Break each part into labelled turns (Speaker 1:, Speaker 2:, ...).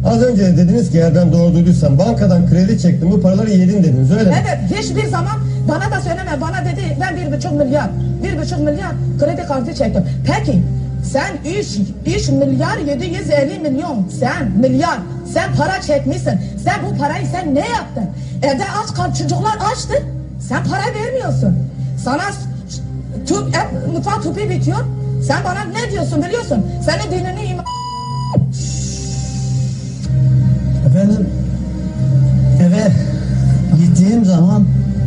Speaker 1: Az önce de dediniz ki eğer ben doğru duyduysam bankadan kredi çektim bu paraları yedin dediniz öyle mi?
Speaker 2: Evet, hiçbir zaman bana da söyleme. Bana dedi ben 1,5 milyar kredi kartı çektim. Peki sen 3 milyar 750 milyon sen para çekmişsin. Sen bu parayı sen ne yaptın? Evde aç kal, çocuklar açtı. Sen para vermiyorsun. Sana mutfak tüpü bitiyor. Sen bana ne diyorsun biliyorsun? Senin dinini
Speaker 3: Efendim eve gittiğim zaman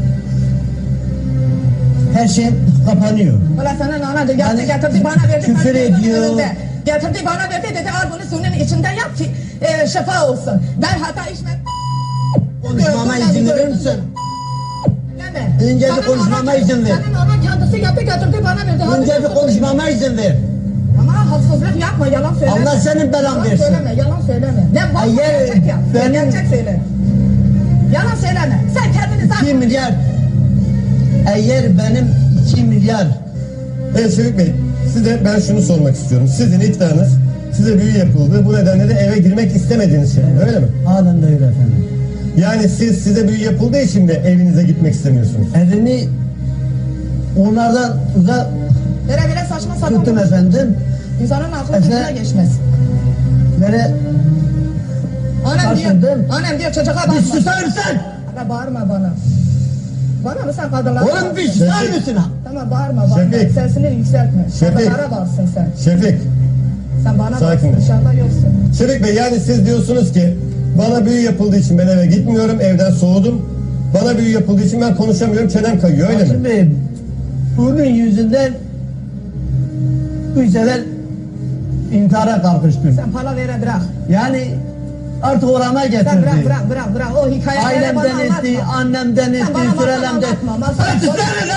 Speaker 3: her şey kapanıyor.
Speaker 2: Ulan senin ana getirdi
Speaker 3: Yani
Speaker 2: getirdi bana verdi.
Speaker 3: küfür
Speaker 2: ben gözümün
Speaker 3: ediyor.
Speaker 2: önünde. Getirdi bana verdi dedi al bunu suyunun içinde yap ki şifa olsun. Ben hata içme.
Speaker 3: Konuşmama izin verir misin?
Speaker 2: Deme.
Speaker 3: Önce bir
Speaker 2: Senin
Speaker 3: konuşmama
Speaker 2: ana-
Speaker 3: izin ver.
Speaker 2: Senin ana kendisi yaptı getirdi bana verdi.
Speaker 3: Önce bir konuşmama izin ver.
Speaker 2: Ama haksızlık yapma yalan söyleme.
Speaker 3: Allah senin belanı
Speaker 2: Yalan
Speaker 3: versin.
Speaker 2: söyleme yalan söyleme. Ne var
Speaker 3: Hayır,
Speaker 2: gerçek yap.
Speaker 3: benim-
Speaker 2: Gerçek söyle. Yalan söyleme. Sen kendini
Speaker 3: 2
Speaker 2: zaten.
Speaker 3: milyar. Eğer benim 2 milyar.
Speaker 1: Evet Şevik Bey size ben şunu sormak istiyorum. Sizin iddianız size büyü yapıldı. Bu nedenle de eve girmek istemediğiniz şey öyle mi?
Speaker 3: Halen de öyle efendim.
Speaker 1: Yani size büyü yapıldığı için mi evinize gitmek istemiyorsunuz?
Speaker 3: Evimi onlardan uzak
Speaker 2: Böyle saçma sapan.
Speaker 3: tuttum efendim.
Speaker 2: İnsanın aklı
Speaker 3: Efe-
Speaker 2: gözüne geçmez.
Speaker 3: Böyle
Speaker 2: Annem diyor,
Speaker 3: Taşındım.
Speaker 2: annem diyor çocuğa
Speaker 3: bir
Speaker 2: bakma.
Speaker 3: susar mısın?
Speaker 2: Ana bağırma bana. Bana mı sen kadınlara
Speaker 3: Oğlum
Speaker 2: bağırsın?
Speaker 3: bir susar mısın?
Speaker 2: Tamam bağırma.
Speaker 1: Şefik.
Speaker 2: Sesini yükseltme.
Speaker 1: Şefik.
Speaker 2: Kadınlara bağırsın sen.
Speaker 1: Şefik,
Speaker 2: Sen bana
Speaker 1: Sakin
Speaker 2: bağırsın.
Speaker 1: ol.
Speaker 2: Dışarıda yoksun.
Speaker 1: Şevik Bey yani siz diyorsunuz ki bana büyü yapıldığı için ben eve gitmiyorum, evden soğudum. Bana büyü yapıldığı için ben konuşamıyorum, çenem kayıyor öyle mi?
Speaker 3: Hakim Bey, bunun yüzünden 3 sefer intihara kalkıştım.
Speaker 2: Sen para vere bırak.
Speaker 3: Yani artık orama
Speaker 2: Sen
Speaker 3: getirdi.
Speaker 2: bırak. O hikayeleri bana
Speaker 3: Ailemden
Speaker 2: anlatma.
Speaker 3: etti, annemden
Speaker 2: Sen
Speaker 3: etti,
Speaker 2: bana masal
Speaker 3: sürelemden.
Speaker 2: anlatma. Masal.
Speaker 3: Hadi susana